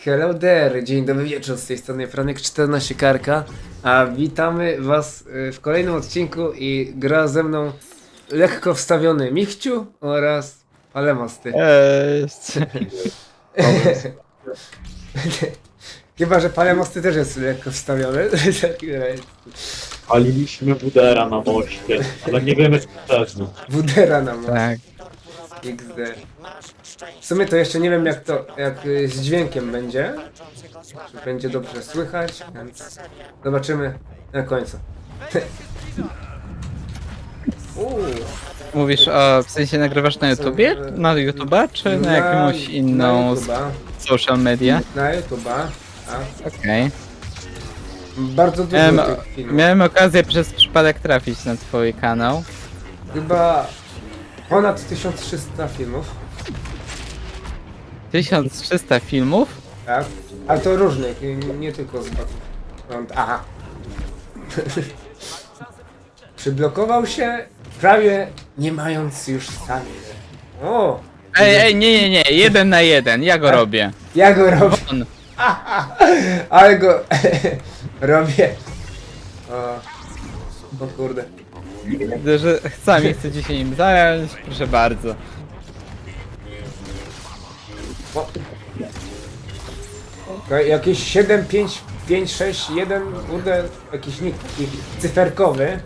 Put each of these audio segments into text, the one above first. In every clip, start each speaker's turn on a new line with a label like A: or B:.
A: Hello there, dzień dobry wieczór, z tej strony Franek14 Karka, a witamy was w kolejnym odcinku i gra ze mną lekko wstawiony Michciu oraz Palemosty. Chyba, że Palemosty też jest lekko wstawiony.
B: Paliliśmy Wudera na moście, ale nie wiemy skuteczny.
A: Wudera na moc.
C: Tak.
A: XD. W sumie to jeszcze nie wiem jak z dźwiękiem będzie. Czy będzie dobrze słychać, więc zobaczymy na końcu.
C: Mówisz o, w sensie nagrywasz na YouTubie? Na YouTuba, czy na jakąś inną
A: Na YouTube'a.
C: social media?
A: Na YouTube'a. Tak.
C: Okej.
A: Bardzo dużo tych filmów.
C: Miałem okazję przez przypadek trafić na twój kanał.
A: Chyba ponad 1300 filmów.
C: 1300 filmów?
A: Tak. Ale to różnych, nie tylko z Battlefront. Aha. Przyblokował się prawie nie mając już sami. O!
C: Ej, nie, 1 na 1, ja go robię.
A: Ja go robię.
C: On.
A: Ale go robię. O kurde.
C: Widzę, że sami chcecie się nim zająć, proszę bardzo.
A: O. Okej, jakieś 7, 5, 5, 6, 1, kurde, jakiś nick taki cyferkowy.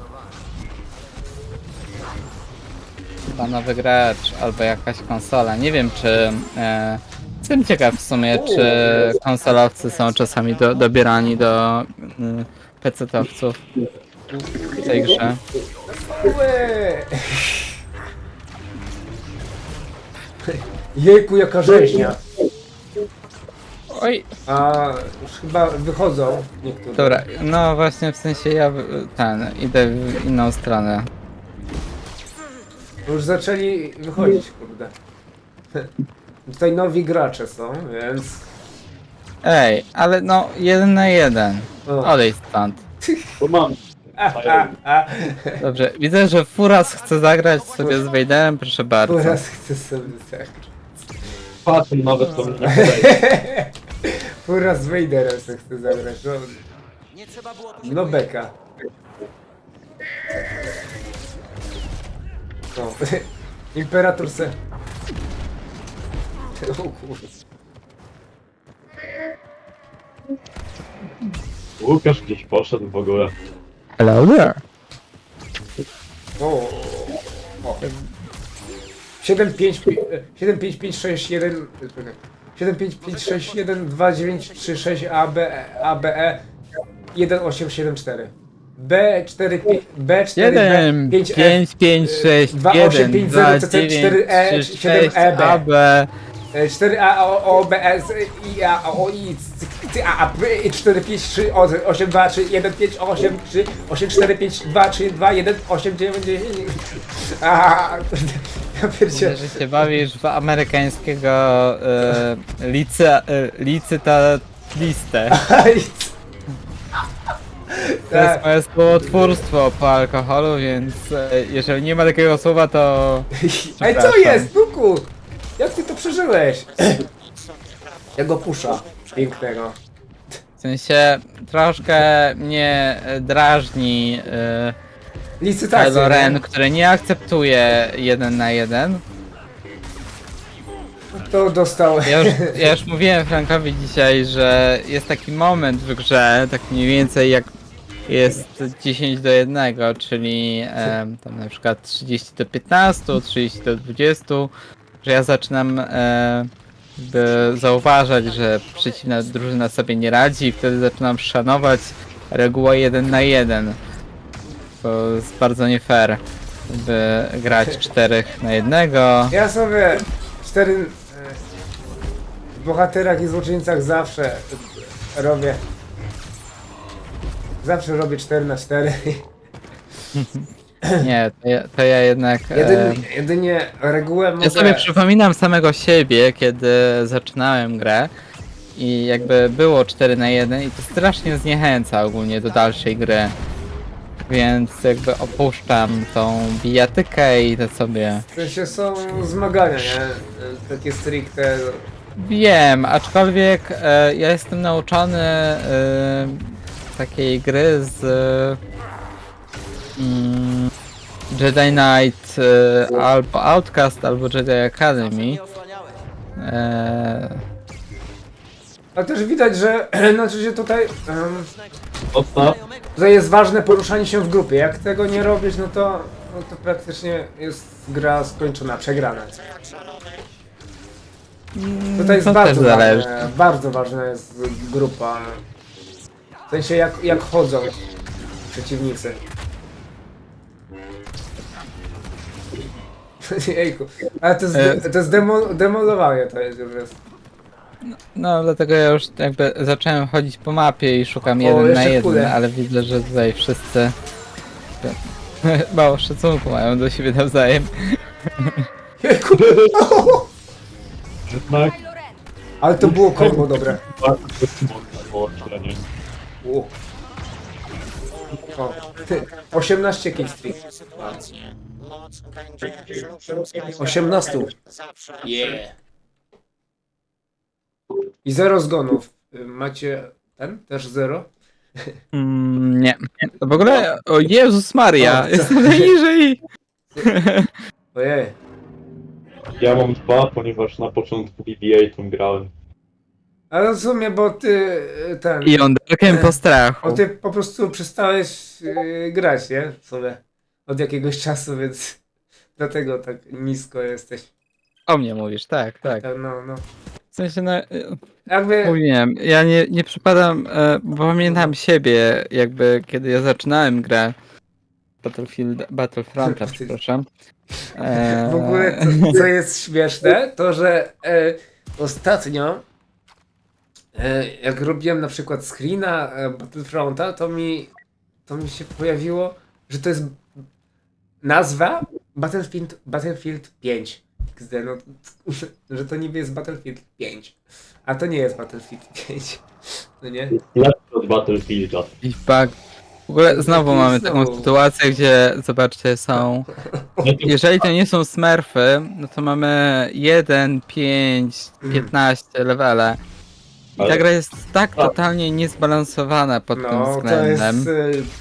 C: Chyba nowy gracz, albo jakaś konsola. Nie wiem, czy... Jestem ciekaw w sumie, czy konsolowcy są czasami dobierani do PC-towców w tej grze.
A: Łe. Jejku, jaka rzeźnia.
C: Oj,
A: A już chyba wychodzą niektóre.
C: dobra, no właśnie w sensie ja idę w inną stronę.
A: Już zaczęli wychodzić, kurde. Tutaj nowi gracze są, więc...
C: Ej, ale no 1 na 1.
A: O.
C: Odejdź stąd.
B: Bo mam.
A: A,
C: Dobrze, widzę, że Furas chce zagrać sobie z Vaderem, proszę bardzo.
A: teraz chcę sobie zagrać.
B: Patrzę nawet to nie podejdzie.
A: Fura z Vaderem se chce zagrać, no... No beka. O, Imperator se... O kurde.
B: Łukasz gdzieś poszedł w ogóle.
C: Hello there.
A: O. 7, 5, 7, 5, 5, 6, 1... 7, 5, 5, 6, 1, 2, 9, 3, 6, ABE, 1, 8, 7, 4. B4, B4,
C: 1,
A: B5,
C: 5, 5, 6,
A: 2, 8,
C: 1,
A: 5,
C: 2,
A: 0,
C: 9,
A: 4,
C: 3,
A: 7,
C: 6,
A: EB.
C: AB,
A: 4A, O, B, S, I, A, O, I, C, A, P, 4, 5, 3, 8, 2, 3, 1, 5, 8, 3, 8, 4, 5, 2, 3, 2, 1, 8, 9, 10. Ja pierdzielę.
C: że się bawisz w amerykańskiego licytatlistę. To jest
A: Tak.
C: moje słowotwórstwo po alkoholu, więc jeżeli nie ma takiego słowa, to...
A: Ej, co
C: Przepraszam.
A: jest, Duku? Jak ty to przeżyłeś? Jego pusza pięknego.
C: W sensie troszkę mnie drażni
A: Licytacja.
C: Kylo Ren,
A: nie?
C: który nie akceptuje 1 na 1.
A: To dostał.
C: Ja już mówiłem Frankowi dzisiaj, że jest taki moment w grze, tak mniej więcej jak jest 10 do 1, czyli tam na przykład 30 do 15, 30 do 20, że ja zaczynam zauważać, że przeciwna drużyna sobie nie radzi i wtedy zaczynam szanować regułę 1 na 1. To jest bardzo nie fair, by grać 4 na 1.
A: Ja sobie 4 w bohaterach i złoczyńcach zawsze robię. Zawsze robię 4 na 4.
C: Nie, to ja jednak...
A: Jedynie regułę mogę...
C: Ja sobie przypominam samego siebie, kiedy zaczynałem grę i jakby było 4 na 1 i to strasznie zniechęca ogólnie do dalszej gry. Więc jakby opuszczam tą bijatykę i idę sobie...
A: W sensie są zmagania, nie? Takie stricte
C: Wiem, aczkolwiek ja jestem nauczony takiej gry z Jedi Knight albo Outcast, albo Jedi Academy.
A: Ale też widać, że znaczy się
B: Odstaw.
A: tutaj jest ważne poruszanie się w grupie. Jak tego nie robisz, no to praktycznie jest gra skończona, przegrana. Tutaj jest
C: To też zależy.
A: bardzo ważna jest grupa. W sensie jak chodzą przeciwnicy. Jejku, ale to jest demolowanie to jest już jest.
C: No dlatego ja już jakby zacząłem chodzić po mapie i szukam
A: O,
C: jeden na
A: jeszcze
C: jeden,
A: kule.
C: ale widzę, że tutaj wszyscy mało szacunku mają do siebie nawzajem.
A: Jejku,
B: Jednak
A: ale to było kombo dobre.
B: bardzo mocne połączenie.
A: U. O, ty, 18 killstreak. 18. Yeah. I 0 zgonów. Macie ten? Też 0?
C: Nie. To w ogóle, o Jezus Maria,
A: O,
C: jestem najniżej.
A: Ojej.
B: Ja mam 2, ponieważ na początku BB-8 grałem.
A: Ale w sumie, bo ty ten...
C: I on dakiem po strachu.
A: Bo ty po prostu przestałeś grać, nie? Sobie. Od jakiegoś czasu, więc dlatego tak nisko jesteś.
C: O mnie mówisz, tak, tak.
A: No.
C: W sensie, no,
A: Jakby...
C: mówiłem, ja nie przypadam, bo pamiętam siebie, jakby kiedy ja zaczynałem grę Battlefronta, przepraszam.
A: W ogóle co jest śmieszne, to że ostatnio jak robiłem na przykład screena Battlefronta, to mi się pojawiło, że to jest nazwa Battlefield 5. XD, no, że to niby jest Battlefield 5, a to nie jest Battlefield 5. No nie?
B: Jest lepszy od Battlefielda.
C: I bug. W ogóle znowu mamy taką
A: Znowu.
C: sytuację, gdzie zobaczcie, są. Jeżeli to nie są smurfy, no to mamy 1, 5, 15 levele. I ta
B: Ale-
C: gra jest tak totalnie niezbalansowana pod tym
A: No, to
C: względem.
A: jest...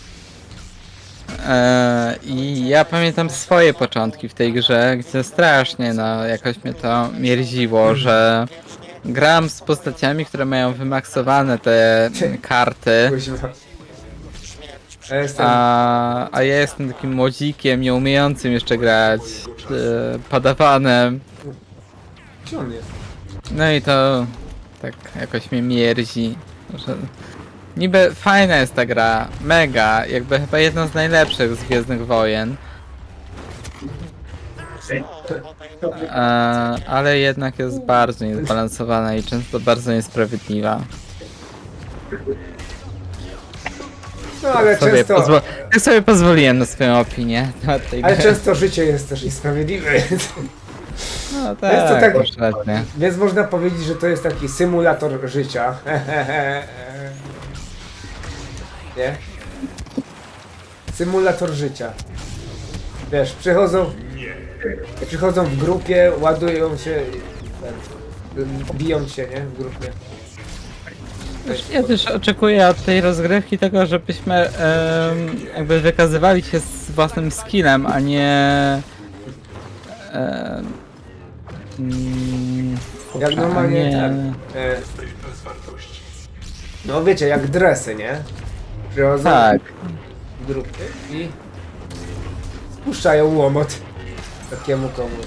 C: I ja pamiętam swoje początki w tej grze, gdzie strasznie jakoś mnie to mierziło, że gram z postaciami, które mają wymaksowane te karty.
A: Kuźwa. Ja jestem...
C: A ja jestem takim młodzikiem, nie umiejącym jeszcze grać, padawanem.
A: Gdzie on jest?
C: No i to tak jakoś mnie mierzi, że niby fajna jest ta gra, mega, jakby chyba jedna z najlepszych z Gwiezdnych Wojen. Ale jednak jest bardzo niezbalansowana i często bardzo niesprawiedliwa.
A: No ale często...
C: Ja sobie pozwoliłem na swoją opinię na tej
A: Ale
C: grze.
A: często życie jest też niesprawiedliwe,
C: No
A: jest
C: tak,
A: to tak-
C: kompletnie.
A: więc można powiedzieć, że to jest taki symulator życia. Nie? Symulator życia. Wiesz, przychodzą w grupie, ładują się, biją się, nie? W grupie.
C: Ja też oczekuję od tej rozgrywki tego, żebyśmy jakby wykazywali się z własnym skillem, a nie
A: Jak normalnie
C: nie.
A: ten. No wiecie, jak dresy, nie? Przychodzą
C: Tak.
A: w grupy i spuszczają łomot takiemu komuś.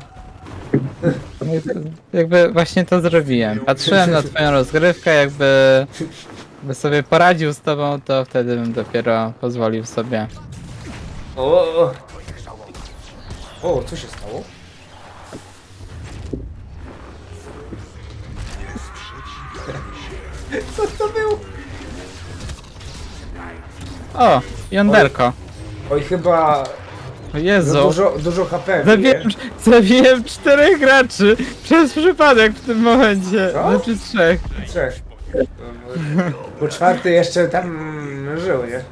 C: Jakby właśnie to zrobiłem. Patrzyłem na twoją rozgrywkę, jakby sobie poradził z tobą, to wtedy bym dopiero pozwolił sobie.
A: O, co się stało? Co to było?
C: O, jąderko.
A: Oj, chyba
C: O
A: za
C: Jezu.
A: dużo HP bije.
C: Zabiłem 4 graczy przez przypadek w tym momencie.
A: Co?
C: Znaczy 3.
A: 3. Bo czwarty jeszcze tam żył, nie?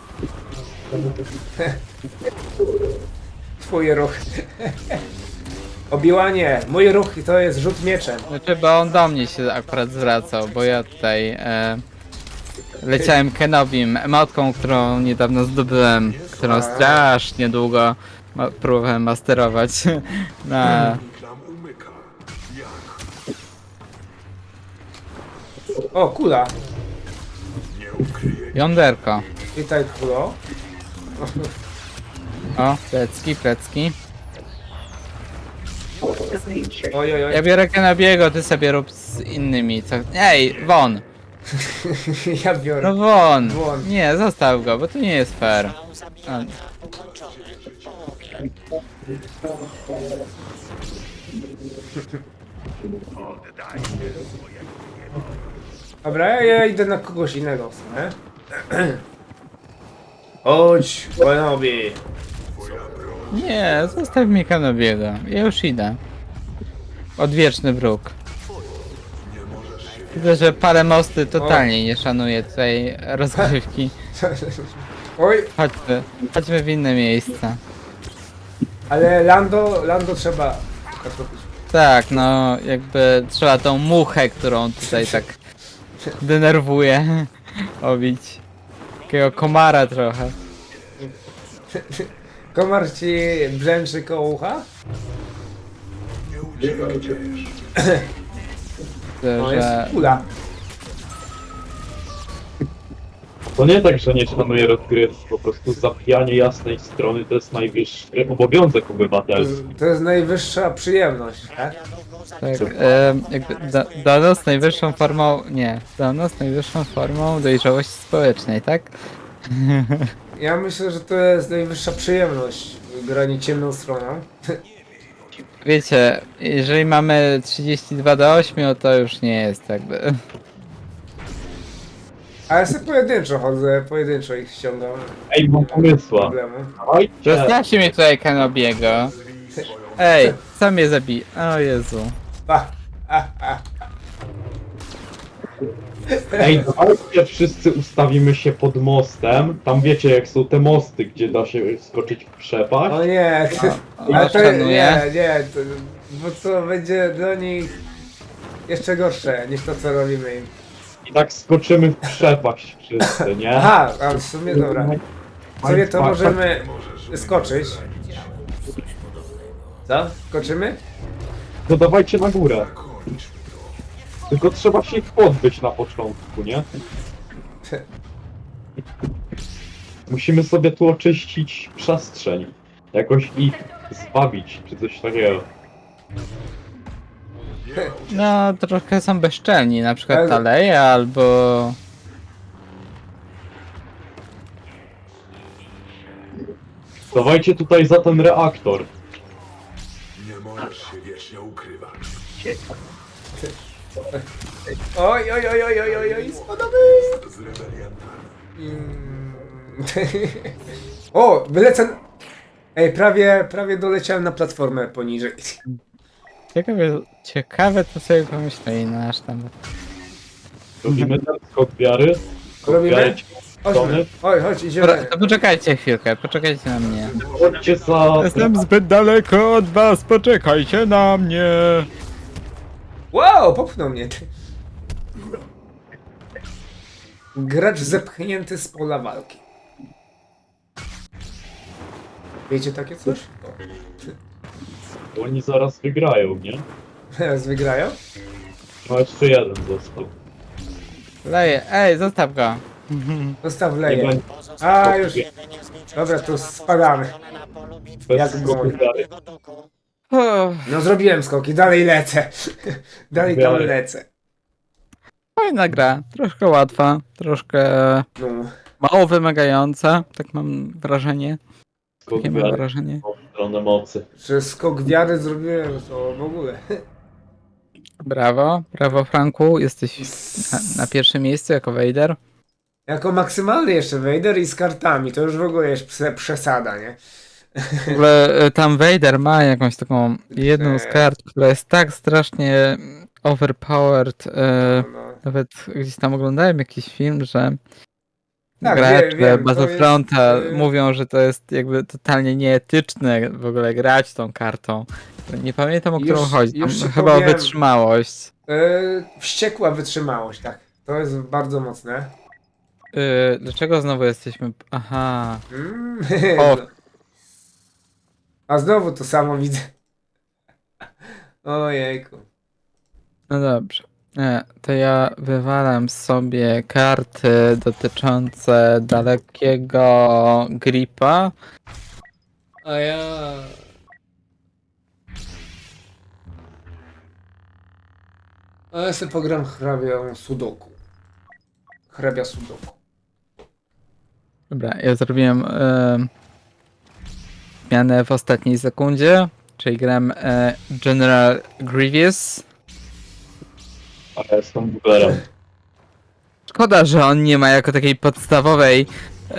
A: Twoje ruch. Obiłanie, mój ruch to jest rzut mieczem.
C: Znaczy, bo on do mnie się akurat zwracał, bo ja tutaj leciałem Kenobim, emotką, którą niedawno zdobyłem, którą strasznie długo próbowałem masterować na...
A: O, kula.
C: Jąderko.
A: Witaj, kulo.
C: O, plecki.
A: Oj, oj, oj.
C: Ja biorę Kenobiego, ty sobie rób z innymi, co... Ej, won!
A: Ja biorę.
C: No won!
A: Won.
C: Nie, zostaw go, bo to nie jest fair. A,
A: Dobra, ja idę na kogoś innego w sumie. Chodź, Kenobi.
C: nie, zostaw mi Kenobiego. Ja już idę. Odwieczny wróg. Widzę, że parę mosty totalnie nie szanuje tutaj rozgrywki.
A: Oj,
C: Chodźmy w inne miejsca.
A: ale Lando trzeba zatopić.
C: Tak, no jakby trzeba tą muchę, którą tutaj tak denerwuje, obić. Takiego komara trochę.
A: Komar ci brzęczy koło ucha? No jest
C: Że...
A: kula.
B: To nie tak, że nie szanuje rozgrywki, po prostu zabijanie jasnej strony to jest najwyższy obowiązek obywatelski.
A: To jest najwyższa przyjemność, tak?
C: Tak, jakby dla nas najwyższą formą, nie, dla nas najwyższą formą dojrzałości społecznej, tak?
A: Ja myślę, że to jest najwyższa przyjemność granie ciemną stroną.
C: Wiecie, jeżeli mamy 32 do 8, to już nie jest jakby...
A: A ja sobie pojedynczo chodzę, pojedynczo ich ściągam.
B: Ej, mam pomysła.
A: Problemu.
B: Dawajcie,
C: Zostawcie mnie tutaj Kenobiego. Ej, co mnie zabij? O Jezu.
B: ej, dawajcie wszyscy ustawimy się pod mostem. Tam wiecie jak są te mosty, gdzie da się skoczyć w przepaść.
A: O nie,
C: Ja szanuję.
A: nie, bo to będzie dla nich jeszcze gorsze niż to co robimy im.
B: I tak skoczymy w przepaść wszyscy, nie?
A: Aha, a w sumie dobra. W sumie to możemy skoczyć. Co? Skoczymy?
B: To dawajcie na górę. Tylko trzeba się ich pozbyć na początku, nie? Musimy sobie tu oczyścić przestrzeń. Jakoś ich zbawić, czy coś takiego.
C: No, trochę są bezczelni, na przykład
A: Ale-
C: Taleja albo...
B: Dawajcie tutaj za ten reaktor.
D: Nie możesz się wiecznie ukrywać.
A: Oj, oj, oj, oj, oj, oj, oj, spadamy!
D: Z rebeliantami.
A: O, wylecę... Ej, prawie doleciałem na platformę poniżej.
C: Ciekawe to sobie pomyśleli nasz tam.
B: Robimy ten skok wiary. Skok
A: Robimy?
B: wiary,
A: Chodźmy, chodź,
C: Dobra,
A: idziemy.
C: to poczekajcie chwilkę, poczekajcie na mnie.
B: Chodźcie za...
C: Jestem zbyt daleko od was, poczekajcie na mnie.
A: Wow, popchnął mnie. Gracz zepchnięty z pola walki. Wiecie takie coś?
B: Oni zaraz wygrają, nie?
A: Teraz wygrają?
B: No jeszcze jeden został.
C: Leję, ej, zostaw go.
A: Zostaw
B: Nie
A: leję.
B: będzie
A: A, już. Dobra, to spadamy.
B: bez
A: jak
B: skoku
A: dzwoni.
B: wiary.
C: Uff,
A: No zrobiłem skoki, dalej lecę. Dalej tam
B: Dalej.
A: lecę.
C: fajna gra, troszkę łatwa, troszkę
A: No.
C: mało wymagająca, tak mam wrażenie.
B: Skok
C: Takie mam
B: wiary
C: wrażenie.
B: w stronę mocy.
A: Że skok wiary zrobiłem, to w ogóle.
C: Brawo, brawo Franku, jesteś na pierwszym miejscu jako Vader.
A: Jako maksymalny jeszcze Vader i z kartami, to już w ogóle jest przesada, nie?
C: W ogóle tam Vader ma jakąś taką jedną z kart, która jest tak strasznie overpowered.
A: No.
C: Nawet gdzieś tam oglądałem jakiś film, że
A: Tak,
C: gracze
A: wiem, to
C: Battlefronta
A: jest,
C: mówią, że to jest jakby totalnie nieetyczne w ogóle grać tą kartą. Nie pamiętam, o którą
A: Już-
C: chodzi. Tam
A: już ci
C: chyba o
A: powiem.
C: wytrzymałość.
A: Wściekła wytrzymałość, tak. To jest bardzo mocne.
C: Dlaczego znowu jesteśmy... Aha.
A: Mm.
C: O.
A: A znowu to samo widzę. Ojejku.
C: No dobrze. To ja wywalam sobie karty dotyczące dalekiego gripa. A ja...
A: A ja sobie pogram hrabią Sudoku. Hrabia Sudoku.
C: Dobra, ja zrobiłem zmianę w ostatniej sekundzie, czyli gram General Grievous.
B: A ja jestem buglerem.
C: Szkoda, że on nie ma jako takiej podstawowej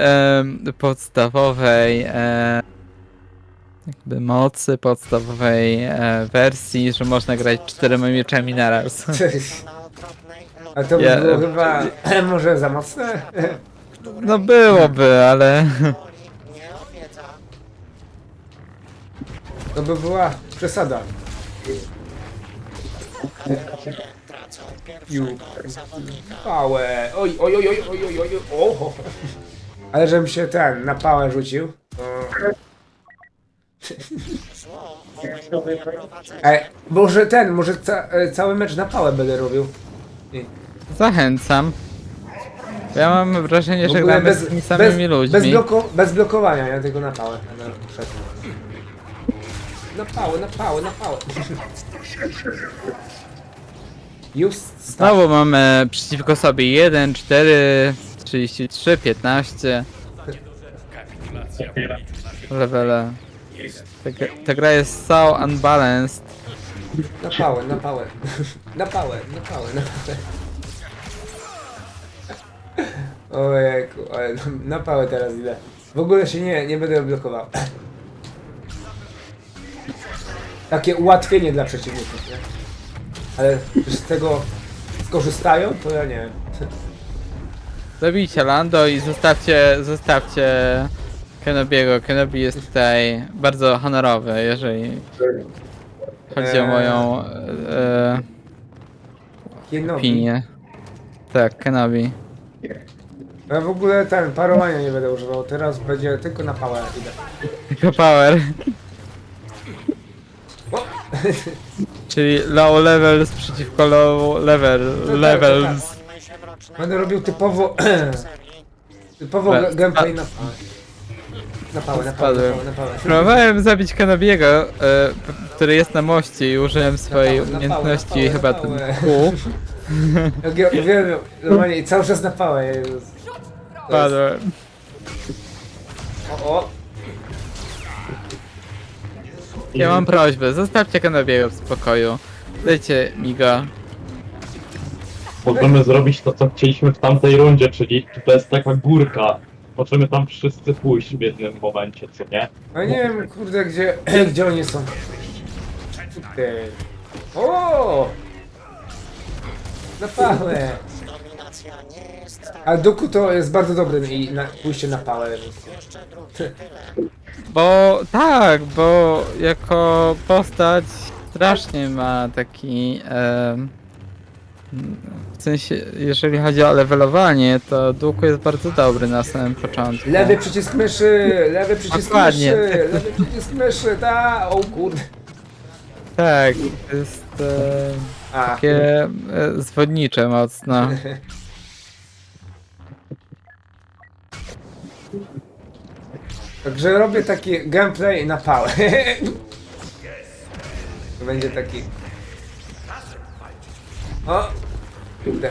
C: jakby mocy, podstawowej wersji, że można grać 4 mieczami naraz.
A: A to by
C: Ja-
A: było chyba może za mocne?
C: No byłoby, ale...
A: To by była przesada. Pałę. Oj, oj, oj, oj, oj, oj, oj, o. Ale żebym się na pałę rzucił. Może cały mecz na pałę będę robił.
C: Zachęcam. Ja mam wrażenie,
A: W
C: że
A: ogóle
C: gramy z tymi samymi ludźmi.
A: bez blokowania, ja tylko na pałę. Na pałę, na pałę, na pałę. Już start.
C: Znowu mamy przeciwko sobie 1, 4, 33, 15 levele. Ta gra jest so unbalanced.
A: Na pałę, na pałę. Na pałę, na pałę, na pałę. Ojejku, ale na pałę teraz idę. W ogóle się nie będę blokował. Takie ułatwienie dla przeciwników, nie? Ale że z tego skorzystają, to ja nie wiem.
C: Zabijcie Lando i zostawcie Kenobiego. Kenobi jest tutaj bardzo honorowy, jeżeli chodzi o moją
A: Kenobi.
C: opinię. Tak, Kenobi.
A: Ja w ogóle parowania nie będę używał, teraz będzie tylko na pałę idę.
C: Tylko power.
A: O!
C: Czyli low levels przeciwko low levels.
A: Będę robił typowo gameplay na pałę. Na pałę, na pałę, na pałę, na pałę.
C: Próbowałem zabić Kenobiego, który jest na moście i użyłem swojej
A: Na pałę,
C: umiejętności,
A: na
C: chyba
A: pałę.
C: ten kół.
A: Ja uwielbiam, normalnie cały czas na pałę. Jezus.
C: Padłem.
A: O.
C: Ja mam prośbę, zostawcie Kenobiego w spokoju. Dajcie mi go.
B: Możemy zrobić to, co chcieliśmy w tamtej rundzie, czyli to jest taka górka. Możemy tam wszyscy pójść w jednym momencie, co nie?
A: A nie wiem, kurde, gdzie oni są. Tutaj. O! Na pałę. A Doku to jest bardzo dobry i pójście na pałę.
C: Bo jako postać strasznie ma taki... w sensie, jeżeli chodzi o levelowanie, to Dooku jest bardzo dobry na samym początku.
A: Lewy przycisk myszy, lewy przycisk
C: Dokładnie.
A: myszy, lewy przycisk myszy, o kurde.
C: Tak, to jest
A: A,
C: takie zwodnicze mocno.
A: także robię taki gameplay na pałę. To będzie taki... O! Kurde.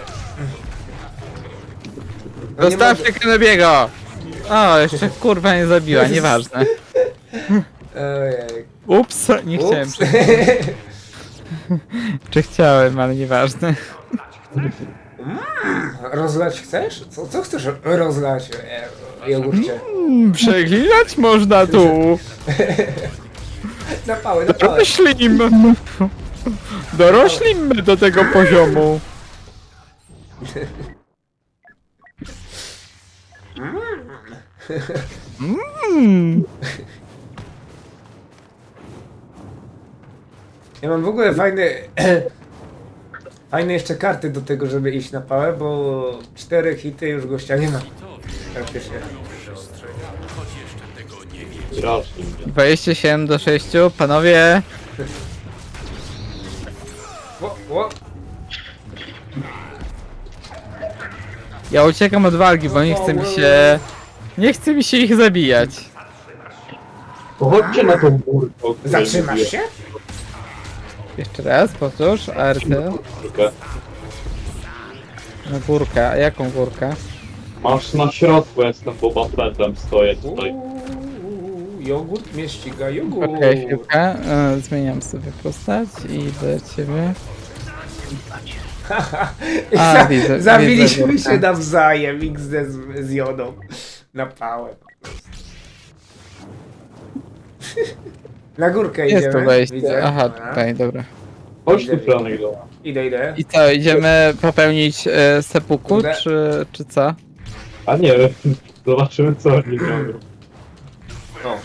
A: No nie
C: Zostawcie Kenobiego! O, jeszcze kurwa nie zabiła, nieważne.
A: Ojej.
C: Ups, nie chciałem.
A: Ups.
C: Czy chciałem, ale nieważne.
A: Rozlać chcesz? Co chcesz rozlać, jogurcie?
C: Przeklinać można tu!
A: Na pałę, na pałę.
C: Doroślimy do tego poziomu.
A: Ja mam w ogóle fajne... fajne jeszcze karty do tego, żeby iść na pałę, bo 4 hity już gościa nie ma. Praktycznie.
B: Strasznie mnie.
C: 27 do 6, panowie.
A: O.
C: Ja uciekam od walki, bo nie chce mi się... Nie chce mi się ich zabijać.
B: To chodźcie na tą górkę, o której
A: Zatrzymasz
B: mówię.
A: się?
C: Jeszcze raz, powtórz, ART.
B: Górkę.
C: Na górkę, a jaką górkę?
B: Masz na środku, jestem Boba Fettem, stoję tutaj.
A: Jogurt mnie ściga, jogurt.
C: Okej, chwilkę. Zmieniam sobie postać i do ciebie.
A: I
C: A, widzę
A: zabiliśmy
C: górkę.
A: się nawzajem XD z Jodą. Na pałę. Na górkę
C: Jest
A: idziemy.
C: tu wejście.
A: Widzę.
C: Aha,
A: Dobra.
C: tutaj, dobra.
B: Chodź tu, Franek, do.
A: Idę.
C: I co, idziemy popełnić seppuku,
A: Kurde.
C: czy co?
B: A nie, zobaczymy co oni robią.
A: O.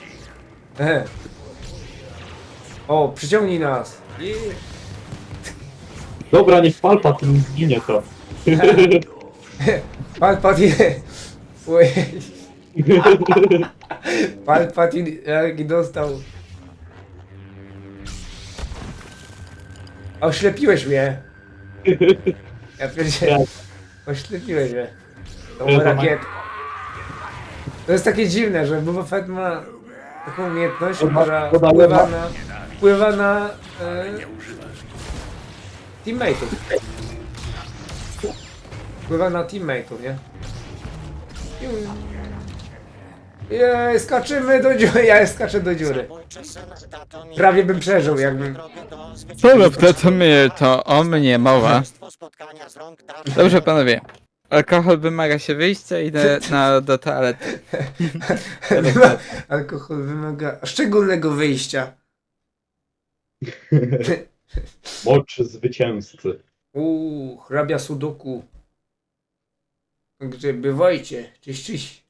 A: O, przyciągnij nas.
B: Dobra, niech Palpatine zginie to.
A: Palpatine. Ojej. Palpatine jak dostał. Oślepiłeś mnie. Ja pierdzielę. Oślepiłeś mnie. Tą
B: Ja to
A: rakietę. To jest takie dziwne, że Boba Fett ma taką umiejętność, która wpływa na teammateów. Wpływa na teammateów, nie? Jej, skaczymy do dziury, ja skaczę do dziury. Prawie bym przeżył, jakbym...
C: Co lub to my, to o mnie mowa. Dobrze, panowie. Alkohol wymaga się wyjścia, idę do toalety.
A: Alkohol wymaga szczególnego wyjścia.
B: Mocz zwycięzcy.
A: Hrabia Sudoku. Gdzie bywajcie, cześć.